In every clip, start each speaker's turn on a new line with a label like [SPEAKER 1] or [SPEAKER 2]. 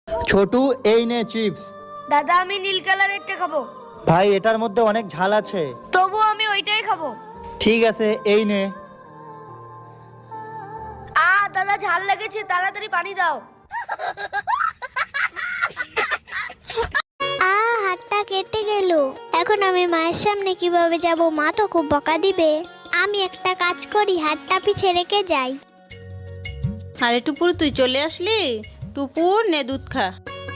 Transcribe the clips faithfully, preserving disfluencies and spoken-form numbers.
[SPEAKER 1] ছোটু এই নে চিপস।
[SPEAKER 2] দাদা আমি নীল কালারেরটা খাবো।
[SPEAKER 1] ভাই এটার মধ্যে অনেক ঝাল আছে।
[SPEAKER 2] তবু আমি ওইটাই খাবো।
[SPEAKER 1] ঠিক আছে এই নে।
[SPEAKER 2] আ দাদা ঝাল লেগেছে, তাড়াতাড়ি পানি দাও।
[SPEAKER 3] আ হাতটা কেটে গেল। এখন আমি মায়ের সামনে কিভাবে যাব? মা তো খুব বকা দিবে। আমি একটা কাজ করি, হাতটা পিছে রেখে যাই।
[SPEAKER 4] আরে টুপুর তুই চলে আসলি? টুপুর নে দুধ খা।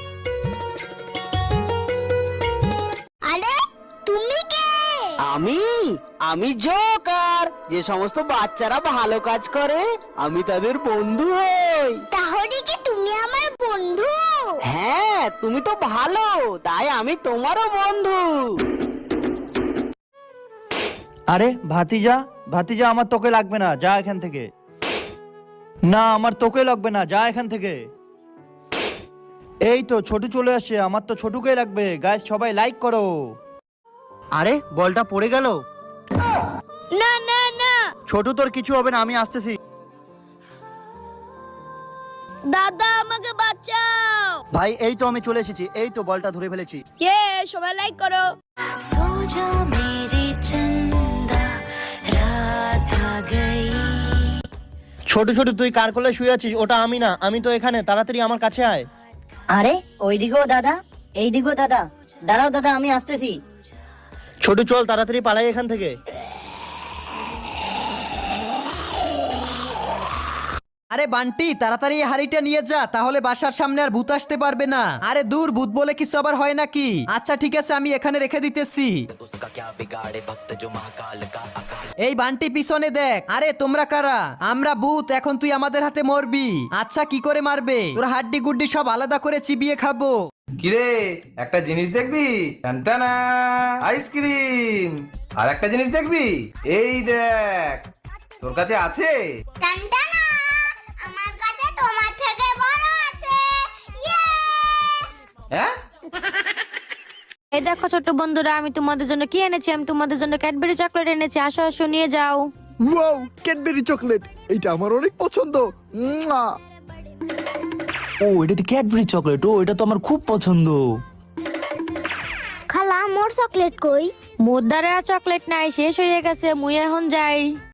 [SPEAKER 3] আরে তুমি কে?
[SPEAKER 5] আমি আমি জোকার, যে সমস্ত বাচ্চারা ভালো কাজ করে আমি তাদের বন্ধু হই।
[SPEAKER 3] তাহলে কি তুমি আমার বন্ধু?
[SPEAKER 5] হ্যাঁ তুমি তো ভালো, তাই আমি তোমারও বন্ধু।
[SPEAKER 1] আরে ভাতিজা, ভাতিজা আমার তোকে লাগবে না, যা এখান থেকে। না আমার তোকে লাগবে না, যা এখান থেকে। এই তো ছোটু চলে আসছে, আমার তো ছোটুকে লাগবে। গাইস সবাই লাইক করো। আরে বলটা পড়ে গেল।
[SPEAKER 2] না না না
[SPEAKER 1] ছোটু তোর কিছু হবে না, আমি আসতেছি।
[SPEAKER 2] দাদা আমাকে বাঁচাও।
[SPEAKER 1] ভাই এই তো আমি চলে এসেছি, এই তো বলটা ধরে ফেলেছি।
[SPEAKER 2] ইয়ে সবাই লাইক করো।
[SPEAKER 1] ছোট ছোট তুই কার কোলে শুয়ে আছিস? ওটা আমি না, আমি তো এখানে। তাড়াতাড়ি আমার কাছে আয়।
[SPEAKER 6] আরে ওইদিকেও দাদা, এইদিকেও দাদা। দাঁড়াও দাদা, আমি আসতেছি।
[SPEAKER 1] ছোট চল তাড়াতাড়ি পালাই এখান থেকে।
[SPEAKER 7] আরে বান্টি, তাড়াতাড়ি এই হাড়িটা নিয়ে যা, তাহলে বাসার সামনে আর ভূত আসতে পারবে না। আরে দূর, ভূত বলে কিছু আবার হয় নাকি? আচ্ছা ঠিক আছে, আমি এখানে রেখে দিতেছি। এই বান্টি পিছনে দেখ। আরে তোমরা কারা? আমরা ভূত, এখন তুই আমাদের হাতে মরবি। আচ্ছা কি করে মারবে? তোর হাড্ডি গুড্ডি সব আলাদা করে চিবিয়ে খাবো।
[SPEAKER 8] কিরে একটা জিনিস দেখবি? টানটানা আইসক্রিম। আর একটা জিনিস দেখবি? এই দেখ, তোর কাছে আছে।
[SPEAKER 3] টানটানা, আমার কাছে তোমার থেকে বড় আছে। ইয়ে!
[SPEAKER 8] হ্যাঁ
[SPEAKER 2] এই দেখো ছোট্ট বন্ধুরা, আমি তোমাদের জন্য কি এনেছি। আমি তোমাদের জন্য ক্যাডবেরি চকলেট এনেছি। আসো আসো নিয়ে যাও।
[SPEAKER 9] ওয়াও, ক্যাডবেরি চকলেট, এটা আমার অনেক পছন্দ। মুয়া।
[SPEAKER 5] ও এটা তো ক্যাডবেরি চকলেট, ও এটা তো আমার খুব পছন্দ।
[SPEAKER 3] খালা মোর চকলেট কই?
[SPEAKER 2] মোর দ্বারা চকলেট নাই, শেষ হয়ে গেছে। মুই এখন যাই।